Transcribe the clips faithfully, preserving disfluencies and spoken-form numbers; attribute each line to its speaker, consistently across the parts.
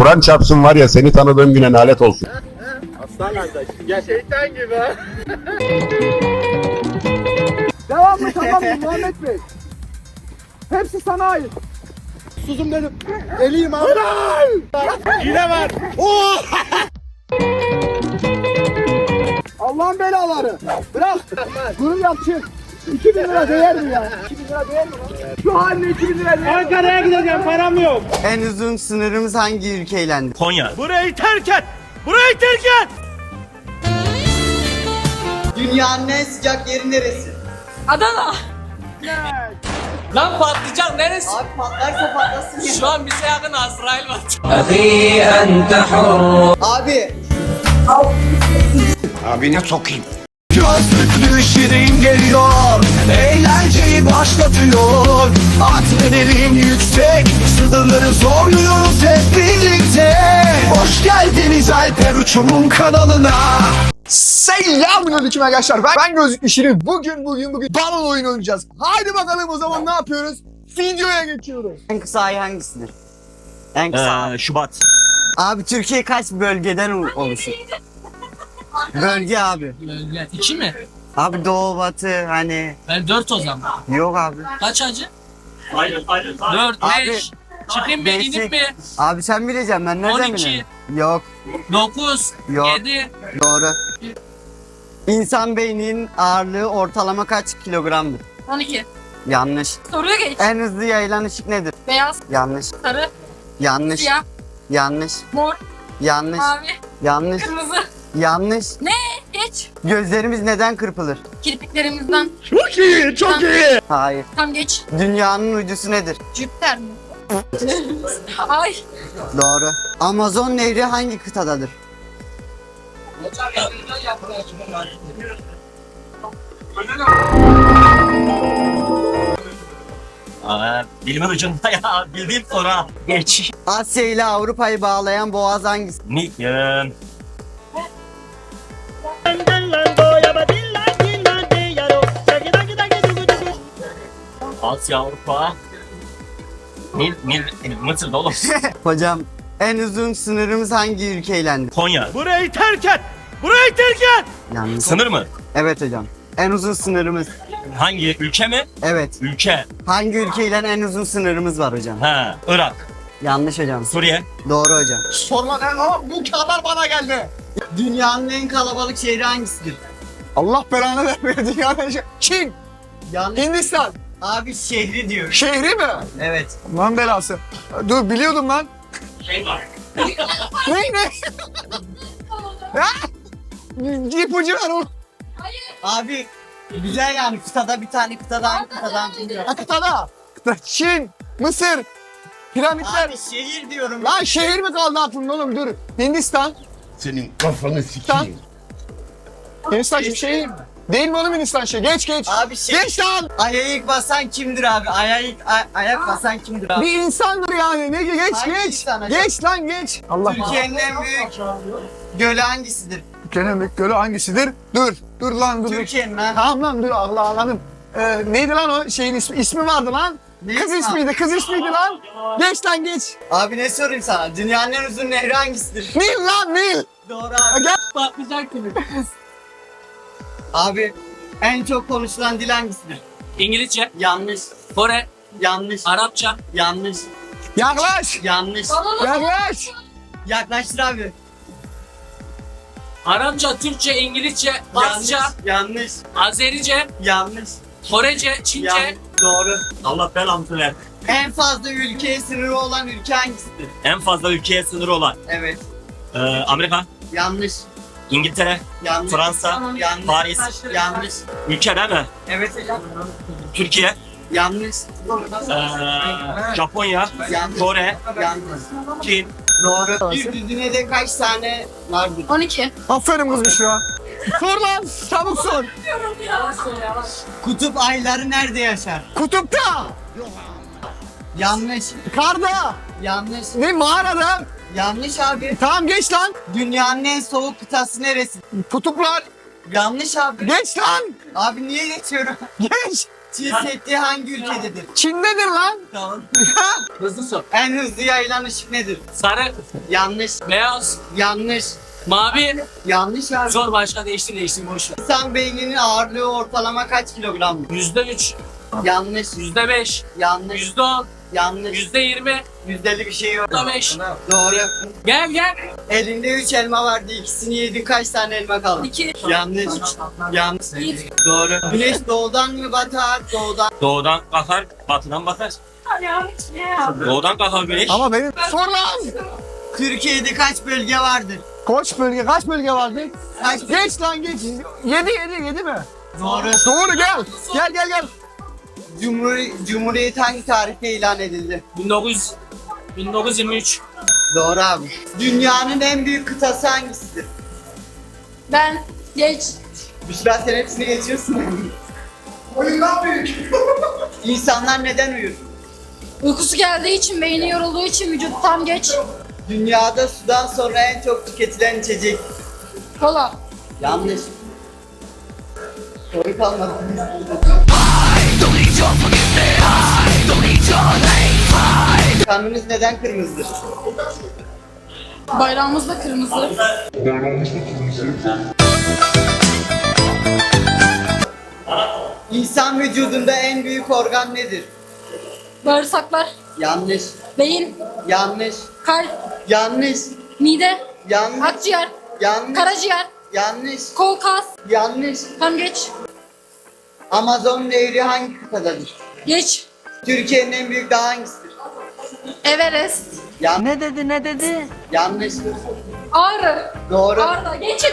Speaker 1: Kur'an çarpsın var ya, seni tanıdığım güne lanet olsun.
Speaker 2: Aslan kardeş. Gel. Şeytan gibi ha.
Speaker 3: Devam mı tamam mı Muhammed Bey? Hepsi sana ait. Suzum benim. Eliyim abi.
Speaker 2: Yine var.
Speaker 3: Allah'ın belaları. Bırak. Bunu yap çık. iki bin lira değer mi ya? iki bin lira değer mi lan? Şu haline iki bin lira değer mi?
Speaker 2: Ankara'ya gideceğim, param yok.
Speaker 4: En uzun sınırımız hangi ülkeyle?
Speaker 5: Konya.
Speaker 2: Burayı terk et. Burayı terk et.
Speaker 4: Dünyanın en sıcak yeri neresi?
Speaker 6: Adana. Lan patlayacak neresi?
Speaker 4: Abi patlarsa patlasın ya.
Speaker 6: Şu an bize yakın Azrail var.
Speaker 4: Abi
Speaker 7: Gözlüklü şirin geliyor, eğlenceyi başlatıyor. Adrenalin yüksek, sınırları zorluyoruz hep birlikte. Hoş geldiniz Alper Uçum'un kanalına.
Speaker 3: Selamünaleyküm arkadaşlar. Ben, ben Gözlüklü Şirin. Bugün bugün bugün balon oyunu oynayacağız. Haydi bakalım o zaman ne yapıyoruz? Videoya geçiyoruz.
Speaker 4: en kısa ay hangisidir? En kısa ay.
Speaker 5: Ee, Şubat.
Speaker 4: Abi Türkiye kaç bölgeden oluşur? Bölge abi.
Speaker 6: Bölge. İki mi?
Speaker 4: Abi doğu batı hani
Speaker 6: Ben dört o zaman.
Speaker 4: yok abi.
Speaker 6: Kaç acı?
Speaker 5: Hayır, hayır,
Speaker 6: Dört,
Speaker 4: Abi,
Speaker 6: beş. Çıkayım mı,
Speaker 4: beşik.
Speaker 6: inip mi?
Speaker 4: Abi sen bileceksin ben nereden
Speaker 6: On iki.
Speaker 4: bileyim? Yok
Speaker 6: Dokuz,
Speaker 4: Yok.
Speaker 6: yedi.
Speaker 4: doğru. İnsan beyninin ağırlığı ortalama kaç kilogramdır?
Speaker 8: on iki.
Speaker 4: Yanlış.
Speaker 8: Soruya geç.
Speaker 4: En hızlı yayılan ışık nedir?
Speaker 8: Beyaz,
Speaker 4: Yanlış.
Speaker 8: sarı,
Speaker 4: Yanlış.
Speaker 8: siyah,
Speaker 4: Yanlış.
Speaker 8: mor,
Speaker 4: Yanlış.
Speaker 8: mavi,
Speaker 4: Yanlış.
Speaker 8: kırmızı.
Speaker 4: Yanlış.
Speaker 8: Geç.
Speaker 4: Gözlerimiz neden kırpılır?
Speaker 8: Kirpiklerimizden.
Speaker 2: Çok iyi, çok iyi.
Speaker 4: Hayır.
Speaker 8: Tam geç.
Speaker 4: Dünyanın uydusu nedir?
Speaker 8: Jüpiter mi? Ay.
Speaker 4: Doğru. Amazon nehri hangi kıtadadır?
Speaker 5: Aa, dilimin ucunda ya. Bildiğim sonra. Geç.
Speaker 4: Asya ile Avrupa'yı bağlayan boğaz hangisi?
Speaker 5: Ni, eee, Asya, Avrupa. Nil, Nil, Mısır'da oğlum.
Speaker 4: Hocam en uzun sınırımız hangi ülkeyle?
Speaker 5: Konya.
Speaker 2: Burayı terk et. Burayı terk et.
Speaker 4: Yanlış.
Speaker 5: Sınır mı?
Speaker 4: Evet hocam. En uzun sınırımız.
Speaker 5: Hangi ülke mi?
Speaker 4: Evet.
Speaker 5: Ülke.
Speaker 4: Hangi ülkeyle en uzun sınırımız var hocam?
Speaker 5: Ha, Irak.
Speaker 4: Yanlış hocam.
Speaker 5: Suriye.
Speaker 4: Doğru hocam.
Speaker 3: Sorma lan ama bu kadar bana geldi.
Speaker 4: Dünyanın en kalabalık şehri hangisidir?
Speaker 3: Allah belanı vermiyor dünyanın şey. Çin,
Speaker 4: Yanlış.
Speaker 3: Hindistan.
Speaker 4: Abi şehri diyor.
Speaker 3: Şehri mi?
Speaker 4: Evet.
Speaker 3: Lan belası. Dur biliyordum lan.
Speaker 5: Şey var.
Speaker 3: Ne ne? Ya? İpucu ver oğlum.
Speaker 4: Abi güzel yani kıtada bir tane kıtadan kıtadan biliyor.
Speaker 3: Ha, kıtada. Kıta. Çin, Mısır, piramitler.
Speaker 4: Abi şehir diyorum.
Speaker 3: Lan şehir mi kaldı aklımda oğlum dur. Hindistan.
Speaker 1: Senin kafanı sikeyim.
Speaker 3: Hindistan bir şehir. Değil mi oğlum Hindistan şey? Geç geç.
Speaker 4: Abi şehir.
Speaker 3: Geç lan.
Speaker 4: Aya ilk basan kimdir abi? Aya ilk ay- ayak basan kimdir abi?
Speaker 3: Bir insandır yani. Ne geç
Speaker 4: Hangi
Speaker 3: geç.
Speaker 4: insan acaba?
Speaker 3: Geç lan geç. Allah.
Speaker 4: Türkiye'nin en büyük gölü hangisidir?
Speaker 3: Türkiye'nin büyük gölü hangisidir? Dur. Dur lan dur. dur.
Speaker 4: Türkiye'nin ha.
Speaker 3: Tamam lan dur Allah anladım. Ee, neydi lan o şeyin ismi, ismi vardı lan.
Speaker 4: Ne
Speaker 3: Kız
Speaker 4: ismi?
Speaker 3: ismiydi, kız ismiydi lan. Geç lan geç.
Speaker 4: Abi ne sorayım sana? Dünyanın en uzun nehri hangisidir?
Speaker 3: Nil lan Nil.
Speaker 4: Doğru
Speaker 3: Ha,
Speaker 4: abi.
Speaker 3: gel.
Speaker 6: Patlayacak gibi.
Speaker 4: Abi en çok konuşulan dil hangisidir?
Speaker 6: İngilizce,
Speaker 4: Yanlış.
Speaker 6: Kore,
Speaker 4: Yanlış.
Speaker 6: Arapça.
Speaker 4: Yanlış.
Speaker 3: Yaklaş.
Speaker 4: Yanlış.
Speaker 3: Yaklaş.
Speaker 4: Yaklaştır abi.
Speaker 6: Arapça, Türkçe, İngilizce, Farsça,
Speaker 4: Yanlış. Yanlış.
Speaker 6: Azerice,
Speaker 4: Yanlış.
Speaker 6: Korece, Çince.
Speaker 4: Yanlış. Doğru.
Speaker 5: Allah belamı ver.
Speaker 4: En fazla ülkeye sınırı olan ülke hangisidir?
Speaker 5: En fazla ülkeye sınırı olan.
Speaker 4: Evet.
Speaker 5: Ee, Amerika,
Speaker 4: Yanlış.
Speaker 5: İngiltere,
Speaker 4: Yanlış.
Speaker 5: Fransa,
Speaker 4: Yanlış.
Speaker 5: Paris.
Speaker 4: Yanlış.
Speaker 5: Ülke değil mi?
Speaker 4: Evet hocam.
Speaker 5: Türkiye,
Speaker 4: Yanlış.
Speaker 5: ee, Japonya,
Speaker 4: Yanlış.
Speaker 5: Kore,
Speaker 4: Yanlış.
Speaker 5: Çin.
Speaker 4: Doğru. Bir düzinede kaç tane vardır?
Speaker 8: on iki.
Speaker 3: Aferin kızmış ya. Sor lan. Çabuk sor.
Speaker 4: Kutup ayları nerede yaşar?
Speaker 3: Kutupta.
Speaker 4: Yanlış.
Speaker 3: Karda.
Speaker 4: Yanlış.
Speaker 3: Ne mağarada.
Speaker 4: Yanlış abi.
Speaker 3: Tamam geç lan.
Speaker 4: Dünyanın en soğuk kıtası neresi?
Speaker 3: Kutuplar.
Speaker 4: Yanlış abi.
Speaker 3: Geç lan.
Speaker 4: Abi niye geçiyorum?
Speaker 3: Geç.
Speaker 4: Çin Seddi hangi ülkededir?
Speaker 3: Çin'dedir lan.
Speaker 4: Tamam.
Speaker 6: Hızlı sor.
Speaker 4: En hızlı yayılan ışık nedir?
Speaker 6: Sarı,
Speaker 4: Yanlış.
Speaker 6: beyaz,
Speaker 4: Yanlış.
Speaker 6: mavi.
Speaker 4: Yanlış abi.
Speaker 6: Sor başka değiştir değiştir boş ver.
Speaker 4: İnsan beyninin ağırlığı ortalama kaç kilogram?
Speaker 6: Yüzde üç,
Speaker 4: Yanlış.
Speaker 6: yüzde beş,
Speaker 4: Yanlış.
Speaker 6: yüzde on,
Speaker 4: Yanlış.
Speaker 6: yüzde yirmi,
Speaker 4: Yüzdeli bir şey yok.
Speaker 6: yüzde beş.
Speaker 4: Doğru.
Speaker 6: Gel gel.
Speaker 4: Elinde üç elma vardı. İkisini yedin, kaç tane elma kaldı?
Speaker 8: İki.
Speaker 4: Yanlış. Yanlış.
Speaker 8: Bir.
Speaker 4: Doğru. Güneş doğudan mı batar? Doğudan.
Speaker 5: Doğudan kalkar, batıdan batar. Doğudan kalkar güneş.
Speaker 3: Ama benim... Sor lan.
Speaker 4: Türkiye'de kaç bölge vardır?
Speaker 3: Kaç bölge, kaç bölge vardı?
Speaker 4: Kaç?
Speaker 3: Geç lan geç. Yedi, yedi, yedi mi?
Speaker 4: Doğru.
Speaker 3: Doğru gel. Gel gel gel.
Speaker 4: Cumhur Cumhuriyet hangi tarihte ilan edildi?
Speaker 6: bin dokuz yüz, bin dokuz yüz yirmi üç.
Speaker 4: Doğru abi. Dünyanın en büyük kıtası hangisidir?
Speaker 8: Ben. Geç.
Speaker 4: Büşra sen hepsini geçiyorsun. Oyundan büyük. İnsanlar neden uyur?
Speaker 8: Uykusu geldiği için, beyni yorulduğu için vücut tam geç.
Speaker 4: Dünyada sudan sonra en çok tüketilen içecek.
Speaker 8: Kola.
Speaker 4: Yanlış. Soru kalmadı. Kanınız neden kırmızıdır?
Speaker 8: Bayrağımız da kırmızı.
Speaker 4: İnsan vücudunda en büyük organ nedir?
Speaker 8: Bağırsaklar.
Speaker 4: Yanlış.
Speaker 8: Beyin.
Speaker 4: Yanlış.
Speaker 8: Kalp.
Speaker 4: Yanlış.
Speaker 8: Mide.
Speaker 4: Yanlış.
Speaker 8: Akciğer.
Speaker 4: Yanlış.
Speaker 8: Karaciğer.
Speaker 4: Yanlış.
Speaker 8: Kol, kas.
Speaker 4: Yanlış.
Speaker 8: Tam geç.
Speaker 4: Amazon Nehri hangi kıtadadır?
Speaker 8: Geç.
Speaker 4: Türkiye'nin en büyük dağı hangisidir?
Speaker 8: Everest.
Speaker 4: Yan ne dedi ne dedi? Yanlış.
Speaker 8: Ağrı.
Speaker 4: Doğru.
Speaker 8: Ağrı. Geçin.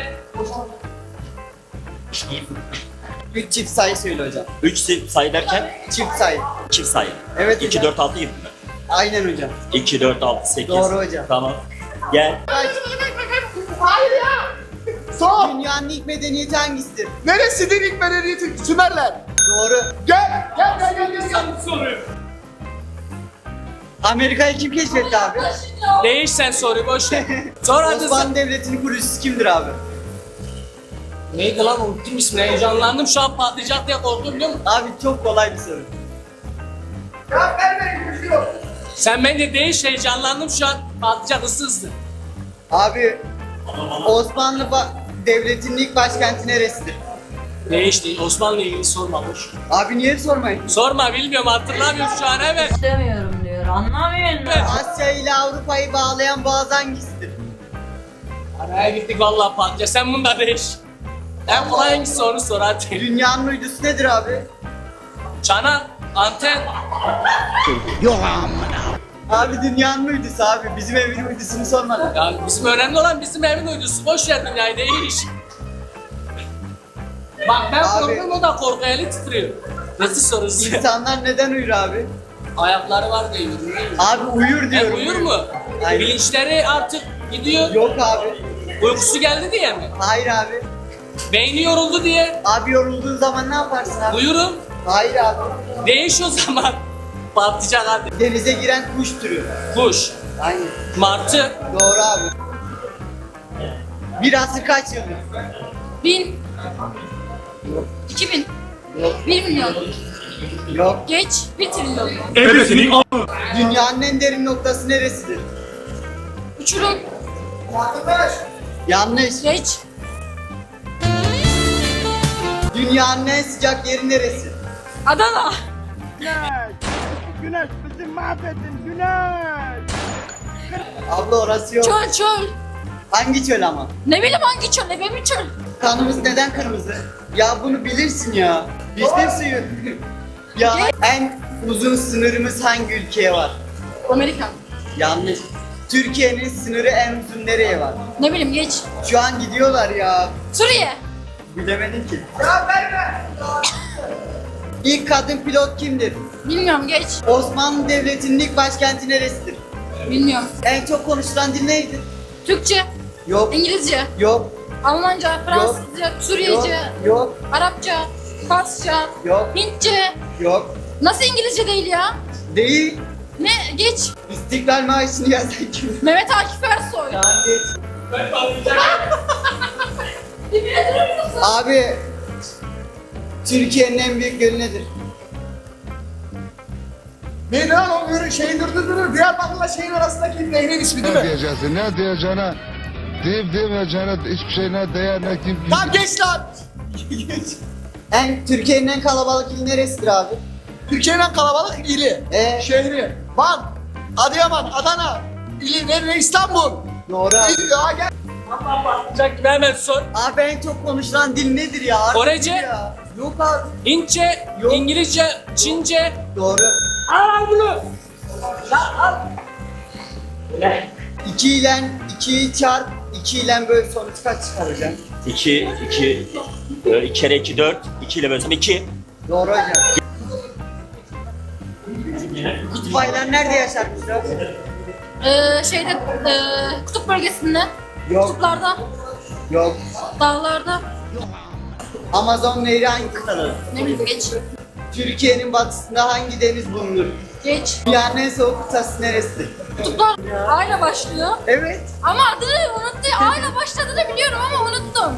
Speaker 4: Üç çift sayı söyle hocam.
Speaker 5: üç sayı derken
Speaker 4: Çift sayı.
Speaker 5: çift sayı.
Speaker 4: Evet
Speaker 5: iki,
Speaker 4: hocam.
Speaker 5: dört, altı, yedi.
Speaker 4: Aynen hocam.
Speaker 5: iki, dört, altı, sekiz.
Speaker 4: Doğru hocam.
Speaker 5: Tamam. Gel.
Speaker 3: Hayır ya. Sor.
Speaker 4: Dünyanın ilk medeniyeti hangisidir?
Speaker 3: Neresidir ilk medeniyeti? Sümerler.
Speaker 4: Doğru.
Speaker 3: Gel. Gel gel gel gel. gel.
Speaker 4: Amerika'yı kim keşfetti abi?
Speaker 6: Değiş sen soruyu boş ver. Sor hadi sen.
Speaker 4: Osmanlı Devleti'nin kurucusu kimdir abi?
Speaker 6: Neydi lan unuttum ismini, heyecanlandım şu an patlayacak diye korktum biliyor musun?
Speaker 4: Abi çok kolay bir soru.
Speaker 6: Sen bence değiş, heyecanlandım şu an patlayacak hızlı hızlı.
Speaker 4: Abi Osmanlı ba- Devleti'nin ilk başkenti neresidir?
Speaker 6: Değiş değil, Osmanlı ilgili sorma boş.
Speaker 4: Abi niye sormayın?
Speaker 6: Sorma bilmiyorum, hatırlamıyorum şu an evet.
Speaker 9: İstemiyorum diyor. Anlamıyor musun?
Speaker 4: Asya ile Avrupa'yı bağlayan boğaz hangisidir?
Speaker 6: Araya gittik vallahi patlayacak, sen bunu da değiş. En kolay hangisi onu sor hadi.
Speaker 4: Dünyanın uydusu nedir abi?
Speaker 6: Çanak, anten.
Speaker 4: Abi dünyanın uydusu abi. Bizim evin uydusunu sormadın.
Speaker 6: Ya bizim önemli olan bizim evin uydusu, boş ver dünyayı değiş. Bak ben
Speaker 4: Abi.
Speaker 6: korkuyorum, o da korku, eli titriyor. Nasıl sorusu?
Speaker 4: İnsanlar neden uyur abi?
Speaker 6: Ayakları var diyor. yürüyor.
Speaker 4: Abi uyur
Speaker 6: E,
Speaker 4: diyorum.
Speaker 6: uyur mu?
Speaker 4: Aynen.
Speaker 6: Bilinçleri artık gidiyor.
Speaker 4: Yok abi.
Speaker 6: Uykusu geldi diye mi?
Speaker 4: Hayır abi.
Speaker 6: Beyni yoruldu diye.
Speaker 4: Abi yorulduğun zaman ne yaparsın abi?
Speaker 6: Uyurum.
Speaker 4: Hayır abi.
Speaker 6: Değiş o zaman. Patlayacak hadi.
Speaker 4: Denize giren kuş türü.
Speaker 6: Kuş,
Speaker 4: Aynen.
Speaker 6: martı,
Speaker 4: Doğru abi. Bir asır kaç yıldır?
Speaker 8: Bin. İki bin. Bir milyon.
Speaker 4: Yok.
Speaker 8: Geç. Bir trilyon.
Speaker 4: Dünyanın en derin noktası neresidir?
Speaker 8: Uçurum.
Speaker 4: Yanlış.
Speaker 8: Geç.
Speaker 4: Dünyanın en sıcak yeri neresi?
Speaker 8: Adana.
Speaker 3: Güneş bizi mahvettin Güneş.
Speaker 4: Abla orası yok.
Speaker 8: Çöl çöl.
Speaker 4: Hangi çöl ama?
Speaker 8: Ne bileyim hangi çöl? Ne benim çöl?
Speaker 4: Kanımız neden kırmızı? Ya bunu bilirsin ya. Vişne suyu. Ya en uzun sınırımız hangi ülkeye var?
Speaker 8: Amerika.
Speaker 4: Yanlış. Türkiye'nin sınırı en uzun nereye var?
Speaker 8: Ne bileyim geç.
Speaker 4: Şu an gidiyorlar ya.
Speaker 8: Suriye.
Speaker 4: Bilemedim ki. Ya verme. İlk kadın pilot kimdir?
Speaker 8: Bilmiyorum geç.
Speaker 4: Osmanlı Devleti'nin ilk başkenti neresidir?
Speaker 8: Bilmiyorum.
Speaker 4: En çok konuşulan dil neydi?
Speaker 8: Türkçe.
Speaker 4: Yok.
Speaker 8: İngilizce.
Speaker 4: Yok.
Speaker 8: Almanca. Fransızca.
Speaker 4: Yok.
Speaker 8: Suriyece.
Speaker 4: Yok.
Speaker 8: Arapça. Farsça.
Speaker 4: Yok.
Speaker 8: Hintçe.
Speaker 4: Yok.
Speaker 8: Nasıl İngilizce değil ya?
Speaker 4: Değil.
Speaker 8: Ne? Geç.
Speaker 4: İstiklal Marşı'nı yazan kim?
Speaker 8: Mehmet Akif Ersoy.
Speaker 4: Tamam geç.
Speaker 6: ben patlayacak.
Speaker 4: Abi Türkiye'nin en büyük gölü nedir?
Speaker 3: Ne lan o yürü şey durdu durur. Diyarbakır'la şeyin arasındaki nehrin ismi değil mi?
Speaker 10: diyeceksin? Ne diyeceğine? Deyip demeyeceğine hiçbir şey ne değer ne kim.
Speaker 3: Lan geç lan.
Speaker 4: En Türkiye'nin en kalabalık ili neresidir abi?
Speaker 3: Türkiye'nin en kalabalık ili.
Speaker 4: Ee,
Speaker 3: Şehri. Van. Adıyaman. Adana. İli nerede? İstanbul.
Speaker 4: doğru abi.
Speaker 3: İl, ya gel.
Speaker 6: Patlayacak gibi hemen sor.
Speaker 4: Abi en çok konuşulan dil nedir ya? Artık
Speaker 6: Korece?
Speaker 4: ya. Yok abi.
Speaker 6: Hintçe,
Speaker 4: Yok.
Speaker 6: İngilizce, Çince.
Speaker 4: Doğru.
Speaker 6: Al bunu.
Speaker 4: iki ile ikiyi çarp, iki ile böl sonuç kaç çıkaracaksın?
Speaker 5: iki, iki, iki kere iki, dört. iki ile bölsem iki.
Speaker 4: Doğru hocam. Kutup ayıları nerede yaşarmışlar?
Speaker 8: Ee, şeyde e, kutup bölgesinde,
Speaker 4: Yok.
Speaker 8: kutuplarda,
Speaker 4: Yok.
Speaker 8: dağlarda,
Speaker 4: Amazon Nehri hangi kıtada?
Speaker 8: ne bileyim geç.
Speaker 4: Türkiye'nin batısında hangi deniz bulunur?
Speaker 8: Geç.
Speaker 4: Dünyanın en soğuk kıtası neresidir?
Speaker 8: Kutuplar A ile başlıyor.
Speaker 4: Evet.
Speaker 8: Ama adını unuttum. A ile başladığını biliyorum ama unuttum.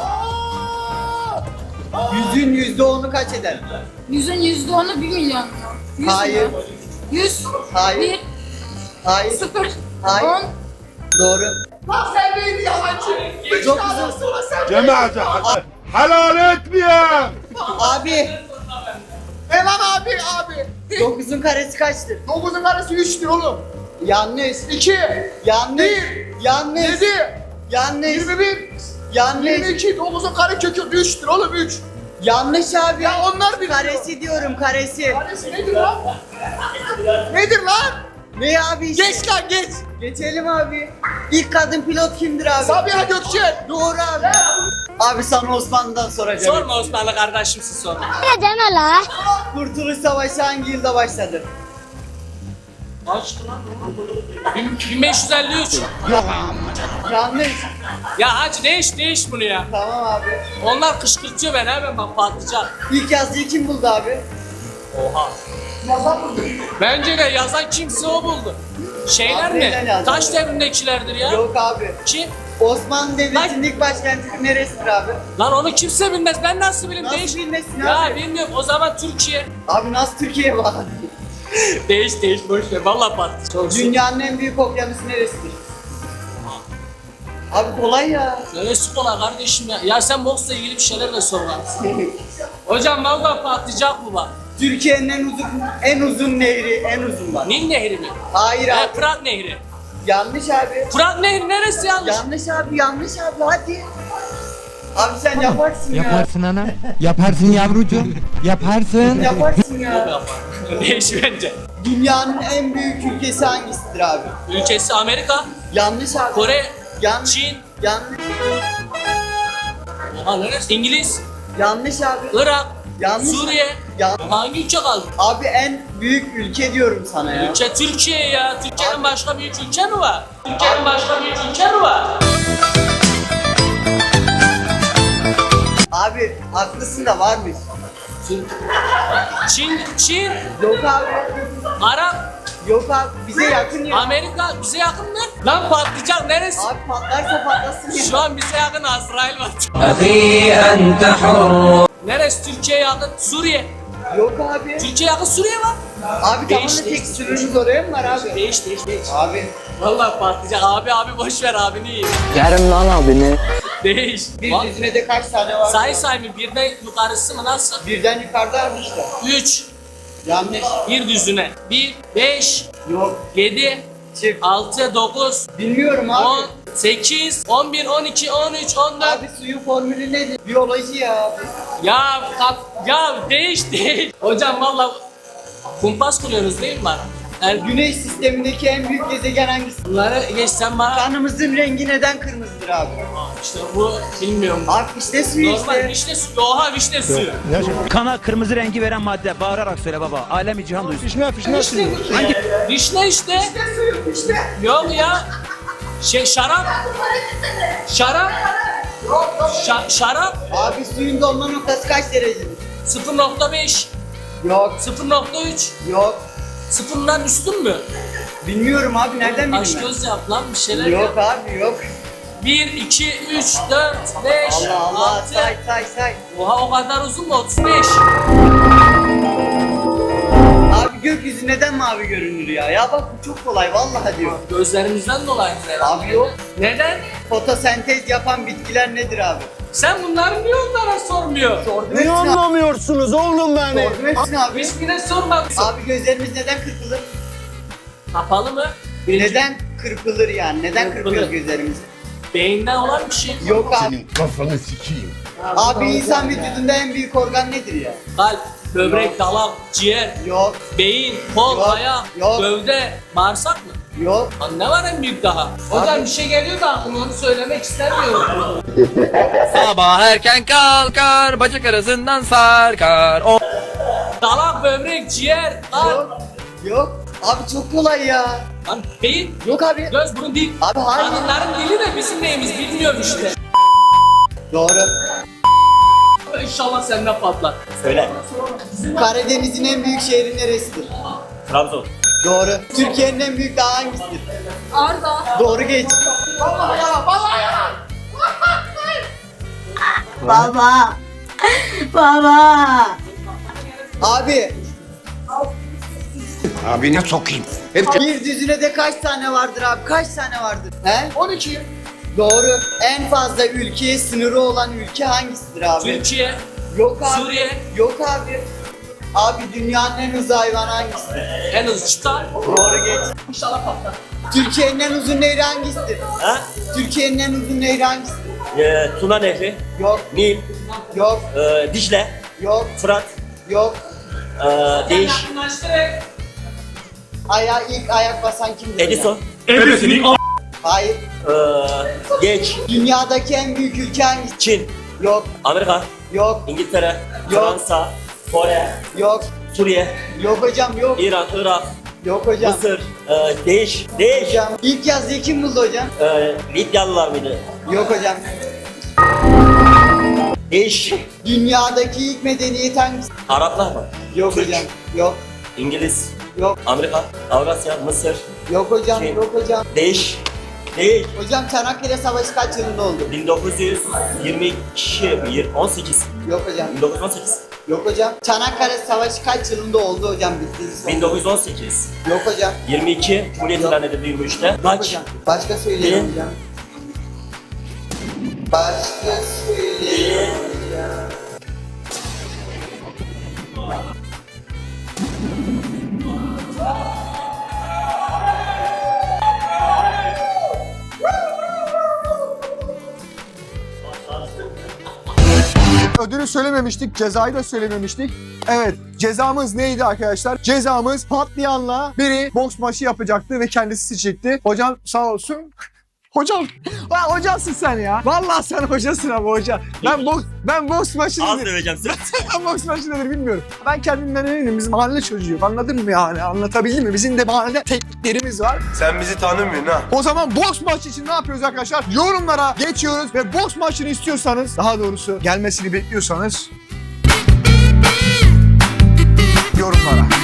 Speaker 4: Yüzün yüzde onu kaç eder?
Speaker 8: Yüzün yüzde onu bir milyon. Yüz
Speaker 4: Hayır.
Speaker 8: mü? Yüz.
Speaker 4: Hayır.
Speaker 8: Bir.
Speaker 4: Hayır.
Speaker 8: Sıfır.
Speaker 4: Hayır.
Speaker 8: On.
Speaker 4: Doğru.
Speaker 3: Lan sen neydi yalancı? Üç
Speaker 4: Çok
Speaker 3: tane
Speaker 4: güzel.
Speaker 3: sonra sen
Speaker 1: Cemaate helal etmiyor.
Speaker 4: Abi.
Speaker 3: Ne lan abi abi?
Speaker 4: Dokuzun karesi kaçtır?
Speaker 3: Dokuzun karesi üçtür oğlum.
Speaker 4: Yanlış.
Speaker 3: İki.
Speaker 4: Yanlış.
Speaker 3: Bir.
Speaker 4: Yanlış.
Speaker 3: Yedi.
Speaker 4: Yanlış.
Speaker 3: Yirmi bir.
Speaker 4: Yanlış.
Speaker 3: Yirmi iki. Dokuzun kare kökü üçtür oğlum üç.
Speaker 4: Yanlış abi.
Speaker 3: Ya onlar biliyor.
Speaker 4: Karesi diyorum karesi.
Speaker 3: Karesi nedir lan? Nedir lan?
Speaker 4: Ne abi işte?
Speaker 3: Geç lan geç.
Speaker 4: Geçelim abi. İlk kadın pilot kimdir abi?
Speaker 3: Sabiha Gökçen.
Speaker 4: Doğru abi. Abi sana Osmanlı'dan soracağım.
Speaker 6: Sorma Osmanlı kardeşimsin sorma.
Speaker 4: Kurtuluş Savaşı hangi yılda başladı?
Speaker 6: Kaçtı lan? bin beş yüz elli üç.
Speaker 4: Yanlış.
Speaker 6: Ya hacı değiş değiş bunu ya.
Speaker 4: Tamam abi.
Speaker 6: Onlar kışkırtıyor beni hemen bak patlayacak.
Speaker 4: İlk yazıyı kim buldu abi?
Speaker 6: Oha. Bence de yazan kimse o buldu. Şeyler
Speaker 4: Abi neden
Speaker 6: mi?
Speaker 4: yazdı?
Speaker 6: Taş devrindekilerdir ya.
Speaker 4: Yok abi.
Speaker 6: Kim?
Speaker 4: Osmanlı Devleti'nin ilk başkenti neresidir abi?
Speaker 6: Lan onu kimse bilmez. Ben nasıl bileyim?
Speaker 4: Nasıl
Speaker 6: değiş.
Speaker 4: bilmesin
Speaker 6: Ya
Speaker 4: abi?
Speaker 6: bilmiyorum. O zaman Türkiye.
Speaker 4: Abi nasıl Türkiye'ye bağlı?
Speaker 6: değiş değiş boş ver. Vallahi patlayacak. Çok
Speaker 4: Dünyanın en büyük okyanusu neresidir? Abi kolay ya.
Speaker 6: Neresi kolay kardeşim ya. Ya sen boksla ilgili bir şeyler de sor lan. Hocam vallahi patlayacak bu bak.
Speaker 4: Türkiye'nin en uzun en uzun nehri, en uzun bak.
Speaker 6: Nil Nehri mi?
Speaker 4: Hayır
Speaker 6: He,
Speaker 4: abi.
Speaker 6: Fırat Nehri.
Speaker 4: Yanlış abi.
Speaker 6: Fırat Nehri neresi yanlış?
Speaker 4: Yanlış abi, yanlış abi. Hadi. Abi sen yaparsın ya.
Speaker 11: Yaparsın ana. Yaparsın yavrucuğum. Yaparsın.
Speaker 4: Yaparsın ya.
Speaker 6: Değiş bence.
Speaker 4: Dünyanın en büyük ülkesi hangisidir abi?
Speaker 6: Ülkesi Amerika,
Speaker 4: Yanlış abi.
Speaker 6: Kore,
Speaker 4: Yanlış.
Speaker 6: Çin.
Speaker 4: Yanlış.
Speaker 6: Oha neresi? İngiliz,
Speaker 4: Yanlış abi.
Speaker 6: Irak,
Speaker 4: Yanlış.
Speaker 6: Suriye.
Speaker 4: Yan-
Speaker 6: Hangi ülke kaldı?
Speaker 4: Abi en büyük ülke diyorum sana ya.
Speaker 6: Ülke Türkiye ya. Türkiye'nin başka büyük ülke mi var? Türkiye'nin başka büyük ülke mi var?
Speaker 4: Abi haklısın da varmış.
Speaker 6: Çin, Çin,
Speaker 4: Yok abi.
Speaker 6: Arap,
Speaker 4: Yok abi. Bize yakın ya.
Speaker 6: Amerika bize yakın mı? Lan patlayacak neresi?
Speaker 4: Abi patlarsa patlasın ya.
Speaker 6: Şu an bize yakın Azrail var. Neresi Türkiye'ye yakın? Suriye.
Speaker 4: Yok abi.
Speaker 6: Türkiye yakın Suriye var.
Speaker 4: Abi
Speaker 6: Değiş,
Speaker 4: tamam da
Speaker 6: değiş.
Speaker 4: tek sürümüz oraya mı var abi?
Speaker 6: Değiş değiş değiş.
Speaker 4: Abi.
Speaker 6: Vallahi patlayacak. Abi abi boş ver abini iyi.
Speaker 11: Yerim lan abini.
Speaker 6: Değiş.
Speaker 4: Bir
Speaker 6: Bak,
Speaker 4: düzine de kaç tane var?
Speaker 6: say say mı? Birden yukarısı mı nasıl?
Speaker 4: Birden yukarıda abi işte.
Speaker 6: Üç.
Speaker 4: Yanlış.
Speaker 6: Bir düzüne. Bir, beş,
Speaker 4: Yok.
Speaker 6: yedi,
Speaker 4: Çift.
Speaker 6: altı, dokuz,
Speaker 4: Bilmiyorum abi.
Speaker 6: on, sekiz, on bir, on iki, on üç, on dört.
Speaker 4: Abi suyun formülü nedir? Biyoloji ya abi.
Speaker 6: Ya kap, ya değiş değiş. Hocam valla kumpas kuruyoruz değil mi bana? Yani
Speaker 4: Güneş sistemindeki en büyük gezegen hangisi?
Speaker 6: bunları geçsen bana
Speaker 4: Kanımızın rengi neden kırmızıdır abi?
Speaker 6: işte bu bilmiyorum.
Speaker 4: Abi işte suyu
Speaker 6: Normal
Speaker 4: işte.
Speaker 6: vişne suyu. Oha vişne suyu.
Speaker 11: Kana kırmızı rengi veren madde. Bağırarak söyle baba. Alemi cihan duysun. Fişne fişne suyu.
Speaker 6: Vişne işte. Yok ya. Şey şarap. Şarap. Şa- şarap.
Speaker 4: Abi suyun donma noktası kaç derecedir?
Speaker 6: sıfır nokta beş.
Speaker 4: Yok.
Speaker 6: sıfır nokta üç.
Speaker 4: Yok.
Speaker 6: Sıfırdan üstün mü?
Speaker 4: Bilmiyorum abi nereden
Speaker 6: Aç
Speaker 4: bileyim
Speaker 6: göz yap lan bir şeyler
Speaker 4: ben?
Speaker 6: yap.
Speaker 4: Yok abi yok.
Speaker 6: bir, iki, üç, dört, beş,
Speaker 4: Allah Allah
Speaker 6: altı.
Speaker 4: say say say.
Speaker 6: Oha o kadar uzun mu? otuz beş.
Speaker 4: Abi gökyüzü neden mavi görünür ya? Ya bak bu çok kolay vallahi diyor.
Speaker 6: Gözlerimizden dolayı herhalde.
Speaker 4: Abi yok.
Speaker 6: Neden?
Speaker 4: Fotosentez yapan bitkiler nedir abi?
Speaker 6: Sen bunları niye onlara sormuyor?
Speaker 4: Sordum
Speaker 3: Ne
Speaker 4: hepsini abi.
Speaker 3: anlamıyorsunuz oğlum beni?
Speaker 4: Sordum hepsini abi.
Speaker 6: Hiçbirine sormamışsın.
Speaker 4: Abi gözlerimiz neden kırpılır?
Speaker 6: Kapalı mı? Birinci,
Speaker 4: Neden kırpılır yani? Neden
Speaker 6: Kırpılır.
Speaker 4: kırpıyoruz gözlerimiz?
Speaker 6: beyinden olan bir şey.
Speaker 4: Yok abi.
Speaker 1: Senin kafanı sikeyim.
Speaker 4: Abi insan vücudunda en büyük organ nedir ya?
Speaker 6: Kalp, böbrek, dalak, ciğer,
Speaker 4: Yok,
Speaker 6: beyin, kol,
Speaker 4: Yok,
Speaker 6: ayak,
Speaker 4: yok.
Speaker 6: gövde, bağırsak mı?
Speaker 4: yok.
Speaker 6: Lan ne var en büyük daha? Hocam bir şey geliyor da aklıma onu söylemek istemiyorum.
Speaker 11: Sabah erken kalkar, bacak arasından sarkar. O
Speaker 6: Dalak, böbrek, ciğer, kalp,
Speaker 4: Yok. Yok. Abi çok kolay ya.
Speaker 6: lan beyin,
Speaker 4: Yok abi.
Speaker 6: göz, burun, dil.
Speaker 4: Abi hayır.
Speaker 6: Kadınların dili de bizim neyimiz bilmiyorum işte.
Speaker 4: Doğru.
Speaker 6: İnşallah senden patlar.
Speaker 5: Söyle.
Speaker 4: Karadeniz'in en büyük şehri neresidir?
Speaker 5: Trabzon.
Speaker 4: Doğru. Türkiye'nin en büyük dağı hangisidir?
Speaker 8: Arda.
Speaker 4: Doğru geç.
Speaker 9: Baba. Baba.
Speaker 4: Abi
Speaker 1: Abine sokayım.
Speaker 4: bir düzinede kaç tane vardır abi? Kaç tane vardır? He? on iki. Doğru. En fazla ülkeye sınırı olan ülke hangisidir abi?
Speaker 6: Türkiye,
Speaker 4: Yok abi.
Speaker 6: Suriye.
Speaker 4: Yok abi. Abi dünyanın en hızlı hayvanı hangisidir?
Speaker 6: en hızlı çita.
Speaker 4: Doğru geç.
Speaker 6: İnşallah patlar.
Speaker 4: Türkiye'nin en uzun nehri hangisidir?
Speaker 5: Ha?
Speaker 4: Türkiye'nin en uzun nehri hangisidir?
Speaker 5: Ee, Tuna Nehri,
Speaker 4: Yok,
Speaker 5: Nil,
Speaker 4: yok,
Speaker 5: e, Dicle,
Speaker 4: yok,
Speaker 5: Fırat,
Speaker 4: yok.
Speaker 5: e, Değiş,
Speaker 6: Yakınlaştırarak.
Speaker 4: Aya ilk ayak basan kimdir?
Speaker 5: Edison,
Speaker 4: Hayır.
Speaker 5: e, Geç,
Speaker 4: Dünyadaki en büyük ülke hangisi?
Speaker 5: Çin,
Speaker 4: Yok,
Speaker 5: Amerika,
Speaker 4: yok,
Speaker 5: İngiltere,
Speaker 4: Yok.
Speaker 5: Fransa, Kore,
Speaker 4: yok,
Speaker 5: Suriye,
Speaker 4: yok hocam yok.
Speaker 5: İran, Irak,
Speaker 4: Yok hocam.
Speaker 5: Mısır, e, Değiş, Değiş,
Speaker 4: Hocam ilk yazıyı kim buldu hocam?
Speaker 5: e, Lidyalılar mıydı?
Speaker 4: Yok hocam.
Speaker 5: Değiş,
Speaker 4: Dünyadaki ilk medeniyet hangisi?
Speaker 5: Araplar mı?
Speaker 4: Yok
Speaker 5: Türk.
Speaker 4: hocam. Yok,
Speaker 5: İngiliz,
Speaker 4: yok,
Speaker 5: Amerika, Avrasya, Mısır,
Speaker 4: yok hocam,
Speaker 5: Çin.
Speaker 4: yok hocam.
Speaker 5: Değiş, Değiş.
Speaker 4: Hocam Çanakkale Savaşı kaç yılında oldu?
Speaker 5: bin dokuz yüz yirmi iki, on sekiz,
Speaker 4: Yok hocam.
Speaker 5: bin dokuz yüz on sekiz,
Speaker 4: Yok hocam. Çanakkale Savaşı kaç yılında oldu hocam? Bittiniz.
Speaker 5: bin dokuz yüz on sekiz,
Speaker 4: Yok hocam.
Speaker 5: yirmi iki, Cumhuriyet ilan edildi yirmi üçte.
Speaker 4: Yok
Speaker 5: Kaç?
Speaker 4: hocam. Başka söyleyelim
Speaker 5: Bir.
Speaker 4: hocam. Başka söyleyelim hocam.
Speaker 3: Ödülü söylememiştik, cezayı da söylememiştik. Evet, cezamız neydi arkadaşlar? Cezamız patlayanla biri boks maçı yapacaktı ve kendisi seçecekti. Hocam sağ olsun. Hocam, ha, hocasın sen ya. Vallahi sen hocasın ama hoca. Ben boks, ben boks maçı
Speaker 5: Az
Speaker 3: nedir?
Speaker 5: döveceğim seni.
Speaker 3: Ben boks maçı nedir bilmiyorum. Ben kendimden eminim. Biz mahalle çocuğuyuz. Anladın mı yani? Anlatabildim mi? Bizim de mahallede tekniklerimiz var.
Speaker 1: Sen bizi tanımıyorsun ha.
Speaker 3: O zaman boks maçı için ne yapıyoruz arkadaşlar? Yorumlara geçiyoruz ve boks maçını istiyorsanız, daha doğrusu gelmesini bekliyorsanız yorumlara.